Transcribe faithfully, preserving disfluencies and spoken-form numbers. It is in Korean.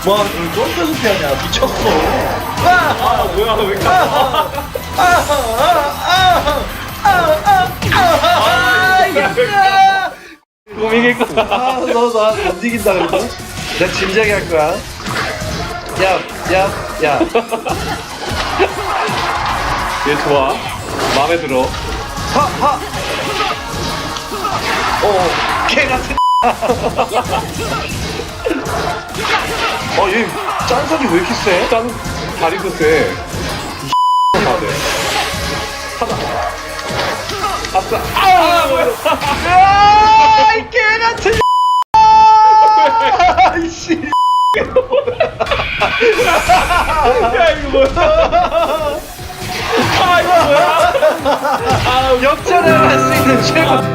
뭐, 그걸 쫀쫀 피하냐. 미쳤어. 아 뭐야 왜 이렇게 아파? 그럼 이길 거야. 아, 너, 너, 못 이긴다, 그래도? 내가 진지하게 할 거야. 야, 야, 야. 얘 좋아. 마음에 들어. 하, 하! 어, 개 같은. 어, 얘 짠석이 왜 이렇게 세? 짠 다리도 세. 다들. 하나. 아싸. 아 뭐야? 아, 이 개 같은. 아이씨. 야 이거 뭐야? 아 이거 뭐야? 역전을 할 수 있는 최고.